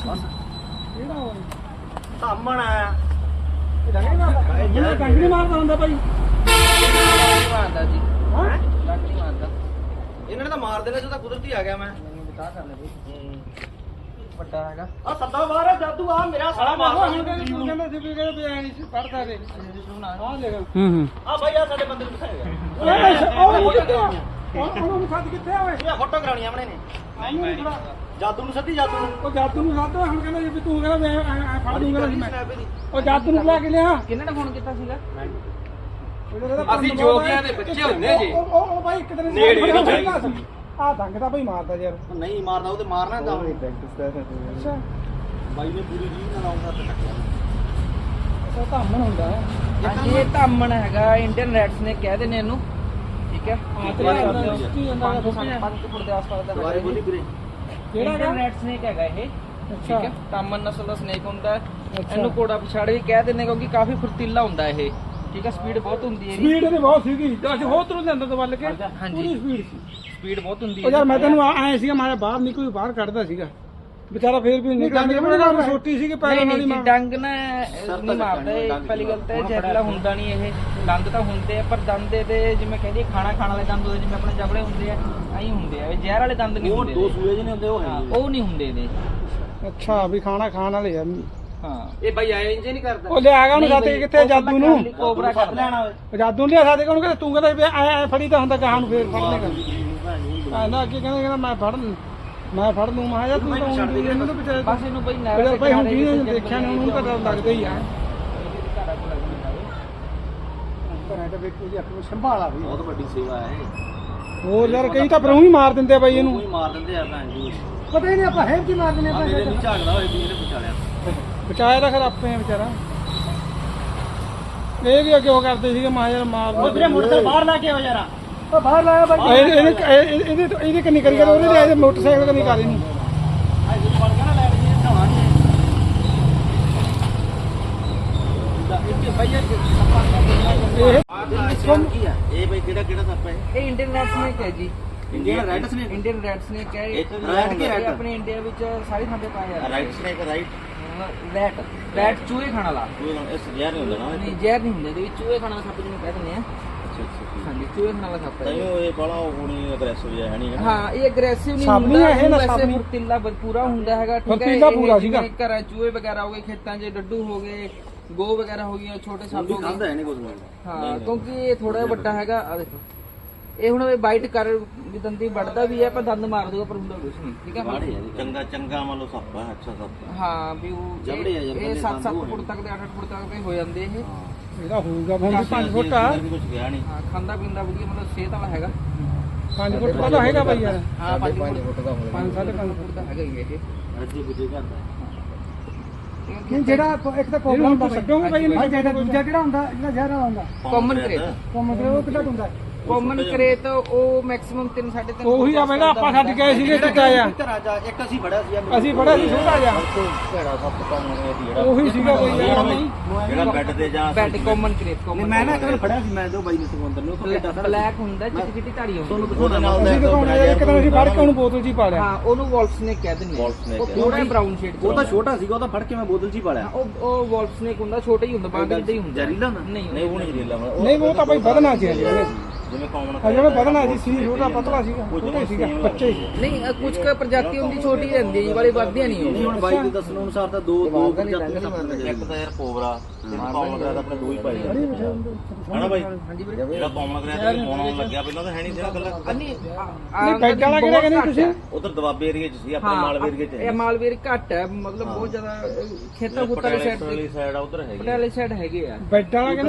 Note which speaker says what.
Speaker 1: ਬਸ
Speaker 2: ਕਿਹੜਾ ਹੋਇਆ
Speaker 1: ਧਾਮਣ ਆ
Speaker 2: ਇਹ ਕੰਗਣੀ ਮਾਰਦਾ ਹੁੰਦਾ ਭਾਈ
Speaker 3: ਮਾਰਦਾ ਜੀ
Speaker 2: ਹਾਂ
Speaker 3: ਲੱਗ ਨਹੀਂ ਮਾਰਦਾ
Speaker 1: ਇਹਨਾਂ ਨੇ ਤਾਂ ਮਾਰ ਦੇਣਾ ਜਦੋਂ ਕੁਦਰਤੀ ਆ ਗਿਆ ਮੈਂ
Speaker 3: ਮੈਨੂੰ ਬਤਾ ਕਰ ਲੈ ਬਈ ਵੱਡਾ ਹੈਗਾ
Speaker 1: ਆ ਸੱਦਾ ਬਾਹਰ ਜਾਦੂ ਆ ਮੇਰਾ ਸਾਲਾ ਮਾਰਦਾ
Speaker 2: ਹੁਣ ਕਹਿੰਦੇ ਸੀ ਵੀ ਕਹਿੰਦੇ ਐ ਨਹੀਂ ਸੀ ਪੜਦਾ ਦੇ ਆ ਲੈ
Speaker 1: ਆ ਭਾਈ ਆ ਸਾਡੇ ਬੰਦੇ ਨੂੰ ਦਿਖਾਏਗਾ
Speaker 2: ਉਹਨੂੰ ਸੱਦ ਕਿੱਥੇ ਆ ਓਏ
Speaker 1: ਇਹ ਫੋਟੋ ਕਰਾਉਣੀ ਆਪਣੇ ਨੇ ਜਾਦੂ ਨੂੰ ਸੱਦੀ ਜਾਦੂ ਨੂੰ
Speaker 2: ਉਹ ਜਾਦੂ ਨੂੰ ਸੱਦ ਹੁਣ ਕਹਿੰਦਾ ਵੀ ਤੂੰ ਕਹਿੰਦਾ ਮੈਂ ਐ ਫੜ ਦੂੰਗਾ ਸੀ ਮੈਂ ਉਹ ਜਾਦੂ ਨੂੰ ਲੈ ਕੇ ਲਿਆ
Speaker 3: ਕਿਹਨੇ ਨੇ ਫੋਨ ਕੀਤਾ ਸੀਗਾ
Speaker 2: ਅਸੀਂ
Speaker 3: ਜੋਗੀਆਂ ਦੇ ਬੱਚੇ ਹੁੰਦੇ ਜੀ
Speaker 2: ਉਹ ਭਾਈ ਇੱਕ ਦਿਨ
Speaker 1: ਨੇੜੇ ਨਹੀਂ ਚਾਹੀਦਾ
Speaker 2: ਆ ਦੰਗ ਤਾਂ ਭਾਈ ਮਾਰਦਾ ਯਾਰ
Speaker 1: ਨਹੀਂ ਮਾਰਦਾ ਉਹ ਤੇ ਮਾਰਨਾ ਤਾਂ
Speaker 2: ਅੱਛਾ
Speaker 1: ਬਾਈ ਨੇ ਪੂਰੀ ਜੀਵ ਨਾਲ ਆਉਂਦਾ ਤੇ ਟੱਕਿਆ
Speaker 2: ਅੱਛਾ ਧਾਮਣ ਹੁੰਦਾ
Speaker 3: ਹਾਂਜੀ ਇਹ ਧਾਮਣ ਹੈਗਾ ਇੰਡੀਅਨ ਰੈਡਸ ਨੇ ਕਹਿ ਦਿੰਦੇ ਇਹਨੂੰ ਠੀਕ ਹੈ
Speaker 2: ਹਾਂ ਤੇ ਕੀ ਹੁੰਦਾ
Speaker 3: 5 ਫੁੱਟ ਦੇ ਆਸ-ਪਾਸ ਦਾ
Speaker 1: ਦੁਬਾਰੇ ਬੋਲੀ ਵੀਰੇ
Speaker 2: ਕਿਹੜਾ
Speaker 3: ਇੰਡੀਅਨ
Speaker 2: ਹੈਗਾ
Speaker 3: ਰੈਡ ਸਨੇਕ ਹੈਗਾ ਇਹ ਠੀਕ
Speaker 2: ਅੱਛਾ
Speaker 3: ਹੈ ਧਾਮਣ ਨਸਲ ਦਾ ਸਨੇਕ ਹੁੰਦਾ ਹੈ।
Speaker 2: ਅੱਛਾ।
Speaker 3: ਇਹਨੂੰ ਕੋੜਾ ਪਛਾੜ ਵੀ ਕਹਿ ਦਿੰਦੇ ਕਿਉਂਕਿ ਕਾਫੀ ਫੁਰਤੀਲਾ ਹੁੰਦਾ ਇਹ ਠੀਕ ਹੈ ਸਪੀਡ ਬਹੁਤ ਹੁੰਦੀ ਹੈ ਇਹਦੀ
Speaker 2: ਸਪੀਡ ਇਹਦੀ ਬਹੁਤ ਸੀਗੀ ਤੇ ਅਸੀਂ ਹੋਰ ਤਰ੍ਹਾਂ ਦੇ ਅੰਦਰ ਤੋਂ ਵੱਲ ਕੇ
Speaker 3: ਹਾਂਜੀ।
Speaker 2: ਪੂਰੀ ਸਪੀਡ ਸੀ
Speaker 3: ਸਪੀਡ ਬਹੁਤ ਹੁੰਦੀ
Speaker 2: ਉਹ ਯਾਰ ਮੈਂ
Speaker 3: ਹੈ
Speaker 2: ਤੈਨੂੰ ਆਏ ਸੀਗਾ ਮੈਂ ਬਾਹਰ ਨਹੀਂ ਕੋਈ ਬਾਹਰ ਕੱਢਦਾ ਸੀਗਾ ਵਿਚਾਰਾ ਫੇਰ ਵੀ ਨਿਕਲ ਨਿਕਲ ਛੋਟੀ ਸੀ ਕਿ ਪੈਰਾਂ ਨਾਲ ਹੀ
Speaker 3: ਨਹੀਂ
Speaker 2: ਮਾਰ
Speaker 3: ਡੰਗ ਨਾ ਨਹੀਂ ਮਾਰਦਾ ਇਹ ਪਹਿਲੀ ਗੱਲ ਤਾਂ ਜ਼ਹਿਰੀਲਾ ਹੁੰਦਾ ਨਹੀਂ ਇਹ ਦੰਦ ਤਾਂ ਹੁੰਦੇ ਆ ਪਰ ਦੰਦ ਦੇ ਜਿਵੇਂ ਕਹਿੰਦੇ ਖਾਣਾ ਖਾਣ ਵਾਲੇ ਦੰਦ ਹੁੰਦੇ ਜਿਵੇਂ ਆਪਣੇ ਜਬੜੇ ਹੁੰਦੇ ਆ ਐਂ ਹੁੰਦੇ ਆ ਇਹ ਜ਼ਹਿਰ ਵਾਲੇ ਦੰਦ ਨਹੀਂ
Speaker 1: ਉਹ
Speaker 3: ਹੁੰਦੇ
Speaker 1: ਦੋ ਸੂਏ ਜਿਹੇ ਹੁੰਦੇ ਉਹ
Speaker 3: ਹਾਂ
Speaker 1: ਹੈ
Speaker 3: ਉਹ ਨਹੀਂ ਹੁੰਦੇ ਇਹਦੇ
Speaker 2: ਅੱਛਾ ਵੀ ਖਾਣਾ ਖਾਣ ਵਾਲੇ ਆ
Speaker 3: ਹਾਂ
Speaker 1: ਇਹ ਬਾਈ ਆਏ ਇੰਜ ਨਹੀਂ ਕਰਦਾ
Speaker 2: ਉਹ ਲਿਆ ਗਿਆ ਉਹਨੂੰ ਸਾਥੇ ਕਿੱਥੇ ਜਾਦੂ ਨੂੰ
Speaker 3: ਕੋਬਰਾ
Speaker 1: ਸੱਦ ਲੈਣਾ ਓਏ
Speaker 2: ਉਹ ਜਾਦੂ ਨੂੰ ਲਿਆ ਸਾਥੇ ਉਹਨੂੰ ਕਹਿੰਦਾ ਤੂੰ ਕਹਿੰਦਾ ਵੀ ਐ ਫੜੀ ਤਾਂ ਹੁੰਦਾ ਕਹਾਂ ਨੂੰ ਫੇਰ ਫੜ ਲੇਗਾ ਆਂਦਾ ਅੱਗੇ ਕਹਿੰਦਾ ਮੈਂ ਫੜ ਲੂੰ ਮੈਂ ਯਾਰ ਤੂੰ ਤਾਂ ਉਂਗਲੀ ਇਹਨੂੰ ਤਾਂ ਵਿਚਾਰੇ
Speaker 3: ਬਸ ਇਹਨੂੰ ਬਈ
Speaker 2: ਯਾਰ
Speaker 3: ਨਹਿਰ
Speaker 2: ਭਾਈ ਹੁਣ ਜਿਹਨੇ ਦੇਖਿਆ ਨਾ ਉਹਨੂੰ ਤਾਂ ਡਰ ਲੱਗਦਾ ਹੀ ਆ ਘਰਾਂ ਤੇ ਵੇਖੋ ਜੀ ਅੱਖ ਨੂੰ ਸੰਭਾਲਾ ਵੀ
Speaker 1: ਬਹੁਤ ਵੱਡੀ ਸੇਵਾ ਹੈ ਇਹ
Speaker 2: ਹੋਰ ਯਾਰ ਕਈ ਤਾਂ ਪਰੋਂ ਹੀ ਮਾਰ ਦਿੰਦੇ ਆ ਬਾਈ ਇਹਨੂੰ
Speaker 1: ਕੋਈ ਮਾਰ ਦਿੰਦੇ ਆ ਭੈਣ ਜੀ
Speaker 2: ਪਤਾ ਹੀ ਨਹੀਂ ਆਪਾਂ ਹੈ ਕੀ ਮਾਰ ਦਿੰਦੇ
Speaker 1: ਆ ਮੇਰੇ ਨੂੰ ਝਾਕਦਾ ਹੋਏ ਵੀ ਇਹਨੇ ਬਚਾਲਿਆ
Speaker 2: ਬਚਾਇਆ ਤਾਂ ਫਿਰ ਆਪੇ ਆ ਵਿਚਾਰਾ ਇਹ ਵੀ ਅੱਗੇ ਉਹ ਕਰਦੇ ਸੀਗੇ ਮਾਂ ਯਾਰ ਮਾਰ
Speaker 1: ਮੋਟਰਸਾਈਕਲ ਬਾਹਰ ਲਾ ਕੇ ਆਓ ਯਾਰਾ
Speaker 2: ਉਹ ਬਾਹਰ ਲਾਇਆ ਬਾਈ ਇਹਦੇ ਕੰਨੀ ਕਰੀ ਕਰ ਉਹਨੇ ਲਿਆ ਮੋਟਰਸਾਈਕਲ ਕੰਨੀ ਕਰ ਇਹਨੂੰ
Speaker 1: ਅੱਜ ਬਣ ਗਿਆ ਨਾ ਲੈਟ ਜੀ ਢਾਵਾਂਗੇ ਇੱਥੇ ਭਾਈਆ
Speaker 2: ਇਹ
Speaker 1: ਕੀ ਆ ਇਹ ਬਈ ਕਿਹੜਾ ਸੱਪ ਹੈ
Speaker 3: ਇਹ ਇੰਡੀਅਨ ਰੈਡ ਸਨੇਕ ਹੈ ਜੀ
Speaker 1: Indian red snake
Speaker 3: Indian red snake ਹੈ
Speaker 1: ਇਹ red ਕੀ red?
Speaker 3: ਇਹ ਆਪਣੇ ਇੰਡੀਆ ਵਿੱਚ ਸਾਰੀ ਥਾਂ ਤੇ ਪਾਇਆ ਜਾਂਦਾ
Speaker 1: ਰਾਈਟ ਸਨੇਕ ਰਾਈਟ
Speaker 3: ਰੈਡ ਚੂਹੇ ਖਾਣ ਵਾਲਾ
Speaker 1: ਇਹ ਸਜ਼ਾ ਨਹੀਂ ਹੁੰਦਾ ਨਾ
Speaker 3: ਨਹੀਂ ਜ਼ਹਿਰ ਨਹੀਂ ਹੁੰਦਾ ਇਹਦੇ ਵਿੱਚ ਚੂਹੇ ਖਾਣ ਵਾਲਾ ਸੱਪ ਜਿਹਨੂੰ ਕਹਿ ਦਿੰਦੇ ਆ
Speaker 1: ਅੱਛਾ ਅੱਛਾ
Speaker 3: ਹਾਂਜੀ ਚੂਹੇ ਖਾਣ ਵਾਲਾ ਸੱਪ ਹੈ
Speaker 1: ਤਾਈਓ ਇਹ ਬੜਾ ਹੋਣੀ ਅਗਰੈਸਿਵ ਜਿਹਾ ਹੈ ਨਹੀਂ
Speaker 3: ਹਾਂ ਇਹ ਅਗਰੈਸਿਵ ਨਹੀਂ
Speaker 2: ਸੱਪ
Speaker 3: ਹੁੰਦਾ
Speaker 2: ਨਹੀਂ ਹੈ, ਇਹ ਨਾ
Speaker 3: ਵੈਸੇ
Speaker 2: ਸੱਪ ਨਹੀਂ।
Speaker 3: ਫੁਰਤੀਲਾ ਪੂਰਾ ਹੁੰਦਾ ਹੈਗਾ ਠੀਕ ਹੈ
Speaker 2: ਫੁਰਤੀਲਾ ਪੂਰਾ ਸੀਗਾ।
Speaker 3: ਜਿਵੇਂ ਘਰਾਂ ਚੂਹੇ ਵਗੈਰਾ ਹੋ ਗਏ ਖੇਤਾਂ 'ਚ ਡੱਡੂ ਹੋ ਗਏ ਗੋ ਵਗੈਰਾ ਹੋ ਗਈਆਂ ਛੋਟੇ ਸੱਪ ਹੋ
Speaker 1: ਖਾਂਦਾ
Speaker 3: ਗਏ
Speaker 1: ਹੈ ਨਹੀਂ ਕੁਝ
Speaker 3: ਹਾਂ ਕਿਉਂਕਿ ਇਹ ਥੋੜਾ ਵੱਡਾ ਹੈਗਾ ਆ ਦੇਖੋ ਇਹ ਹੁਣ ਬਾਈਟ ਕਰ ਵੀ ਦੰਦੀ ਵੱਢਦਾ ਵੀ ਹੈ ਪਰ ਦੰਦ ਮਾਰ ਦੂਗਾ ਪਰ ਹੁੰਦਾ ਕੁਝ ਨਹੀਂ ਠੀਕ ਹੈ
Speaker 1: ਬਾੜੇ ਹੈ ਚੰਗਾ ਚੰਗਾ ਮੰਨ ਲਓ ਸੱਪ ਹੈ ਅੱਛਾ ਸੱਪ
Speaker 3: ਹਾਂ ਵੀ ਉਹ
Speaker 1: ਜਬੜੇ ਆ,
Speaker 3: ਇਹ
Speaker 1: ਜਬੜੇ
Speaker 3: 7-7 ਫੁੱਟ ਤੱਕ ਦੇ 8-8 ਫੁੱਟ ਤੱਕ ਦੇ ਹੋ ਜਾਂਦੇ ਇਹ
Speaker 2: ਇਹਦਾ ਹੋਊਗਾ ਹੁਣ 5 ਫੁੱਟ ਆ
Speaker 1: ਕੁਝ ਗਿਆ ਨਹੀਂ
Speaker 3: ਹਾਂ ਖਾਂਦਾ ਪੀਂਦਾ ਵਧੀਆ ਮਤਲਬ ਸਿਹਤ ਵਾਲਾ ਹੈਗਾ
Speaker 2: 5 ਫੁੱਟ ਦਾ ਤਾਂ ਹੈਗਾ ਬਾਈ ਯਾਰ
Speaker 3: ਹਾਂ 5 ਫੁੱਟ ਦਾ
Speaker 2: 5.5
Speaker 3: ਫੁੱਟ ਦਾ ਹੈਗਾ ਹੀ ਇਹ
Speaker 1: ਰੱਜੀ ਬੁੱਝੇ ਕਰਦਾ
Speaker 2: ਨਹੀਂ ਜਿਹੜਾ ਇੱਕ ਤਾਂ ਕੋਬਰਾ ਹੁੰਦਾ ਛੱਡੋਗੇ ਬਾਈ ਇਹਨੂੰ ਜਿਹੜਾ ਦੂਜਾ ਕਿਹੜਾ ਹੁੰਦਾ ਜਿਹੜਾ ਜ਼ਹਿਰ ਵਾਲਾ ਹੁੰਦਾ
Speaker 3: ਕਾਮਨ ਕਰੇਟ
Speaker 2: ਉਹ ਮਤਲਬ ਉਹ ਕਿੱਦਾਂ ਹੁੰਦਾ
Speaker 3: ਕਾਮਨ ਕਰੇਟ ਉਹ ਮੈਕਸਿਮਮ 3-3.5
Speaker 2: ਉਹੀ ਆ ਪਹਿਲਾਂ ਆਪਾਂ ਛੱਡ ਗਏ ਸੀਗੇ ਟਿੱਕਾ ਆ
Speaker 1: ਘਰਾਂ ਜਾ ਇੱਕ ਅਸੀਂ ਫੜਿਆ ਸੀ
Speaker 2: ਅਸੀਂ ਬੜਾ ਸੀ ਛੋਟਾ ਜਿਹਾ
Speaker 1: ਘੜਾ ਸੱਪ ਕੰਮ ਹੋਇਆ ਸੀ ਜਿਹੜਾ
Speaker 2: ਉਹੀ ਸੀਗਾ ਬਾਈ ਯਾਰ
Speaker 1: ਜਿਹੜਾ ਬੈੱਡ ਤੇ ਜਾ
Speaker 3: ਬੈਡ ਕਾਮਨ ਕਰੇਟ ਕਾਮਨ
Speaker 1: ਮੈਂ ਨਾ ਇੱਕ ਵਾਰ ਫੜਿਆ ਸੀ ਮੈਂ ਦੋ ਬਾਈ ਨੇ ਸਮੁੰਦਰ ਨੂੰ
Speaker 3: ਬਲੈਕ ਹੁੰਦਾ ਚਿੱਟੀ ਚਿੱਟੀ ਧਾਰੀ ਹੁੰਦੀ
Speaker 1: ਤੁਹਾਨੂੰ ਦਿਖਾਉਣਾ ਨਾਲ
Speaker 2: ਅਸੀਂ ਦਿਖਾਉਣਾ ਯਾਰ ਇੱਕ ਦਿਨ ਅਸੀਂ ਫੜ ਕੇ ਉਹਨੂੰ ਬੋਤਲ 'ਚ ਹੀ ਪਾ ਲਿਆ
Speaker 3: ਹਾਂ ਉਹਨੂੰ ਵੋਲਫ ਸਨੇਕ ਕਹਿ ਦਿੰਦੇ
Speaker 1: Wolf snake
Speaker 3: ਉਹ
Speaker 1: ਹੈ।
Speaker 3: ਥੋੜਾ ਬਰਾਊਨ ਸ਼ੇਡ
Speaker 1: ਉਹ ਤਾਂ ਛੋਟਾ ਸੀਗਾ ਉਹ ਤਾਂ ਫੜ ਕੇ ਮੈਂ ਬੋਤਲ 'ਚ ਹੀ ਪਾ ਲਿਆ
Speaker 3: ਉਹ ਵੋਲਫ ਸਨੇਕ ਹੁੰਦਾ ਛੋਟਾ ਹੀ ਹੁੰਦਾ ਬਾਂਦਰ ਦਾ ਹੀ ਹੁੰਦਾ
Speaker 1: ਜ਼ਹਿਰੀਲਾ ਹੁੰਦਾ
Speaker 3: ਨਹੀਂ
Speaker 1: ਨਹੀਂ ਉਹ ਨਹੀਂ ਜ਼ਹਿਰੀਲਾ
Speaker 2: ਨਹੀਂ ਉਹ ਤਾਂ ਬਾਈ ਵਧਣਾ ਸੀ ਜਿਹਨੇ
Speaker 1: ਜਿਵੇਂ ਕਾਮਨ
Speaker 2: ਜਿਹੜਾ ਵਧਣਾ ਸੀ ਛੋਟਾ ਪਤਲਾ ਸੀਗਾ ਛੋਟਾ ਹੀ ਸੀਗਾ ਬੱਚੇ ਸੀ
Speaker 3: ਨਹੀਂ ਕੁਝ ਕੁ ਪ੍ਰਜਾਤੀ ਹੁੰਦੀ ਛੋਟੀ ਰਹਿੰਦੀ ਹੈ ਵਾਲੀ ਵੱਧਦੀਆਂ ਨਹੀਂ
Speaker 1: ਨਹੀਂ
Speaker 3: ਉਹ
Speaker 1: ਹੁਣ ਬਾਈ ਦੇ ਦੱਸਣ ਅਨੁਸਾਰ ਤਾਂ ਦੋ ਪ੍ਰਜਾਤੀਆਂ ਸੱਪ ਨੇ ਇੱਕ ਤਾਂ ਯਾਰ ਕੋਬਰਾ ਕਾਮਨ ਕਰਾ ਤਾਂ ਆਪਣੇ ਦੋ ਹੀ ਪਾਏ ਹਨਾ ਬਾਈ
Speaker 3: ਹਾਂਜੀ ਵੀਰੇ
Speaker 1: ਜਿਹੜਾ ਕਾਮਨ ਕਰਾ ਤੇ ਪਾਉਣ ਲੱਗਿਆ ਪਹਿਲਾਂ ਤਾਂ ਹੈ ਨਹੀਂ ਸੀਗਾ ਗੱਲਾਂ
Speaker 3: ਨਹੀਂ
Speaker 2: ਬੈਡ ਵਾਲਾ ਕਿਹੜਾ ਕਹਿੰਦੇ ਤੁਸੀਂ
Speaker 1: ਉਧਰ ਦਵਾਬੇ ਏਰੀਏ 'ਚ ਸੀ ਆਪਣੇ ਮਾਲਵੇ ਏਰੀਏ 'ਚ
Speaker 3: ਇਹ ਮਾਲਵੇਰ ਘੱਟ ਹੈ ਮਤਲਬ ਬਹੁਤ ਜ਼ਿਆਦਾ ਖੇਤਾਂ ਖੁੱਤਾਂ ਵਾਲੀ ਸਾਈਡ ਤੇ
Speaker 1: ਸਾਈਡ ਆ ਉਧਰ ਹੈਗੀ
Speaker 3: ਪਟਿਆਲੇ ਸਾਈਡ ਹੈਗੇ ਆ
Speaker 2: ਬੈਡ ਵਾਲਾ ਕਹਿੰਦੇ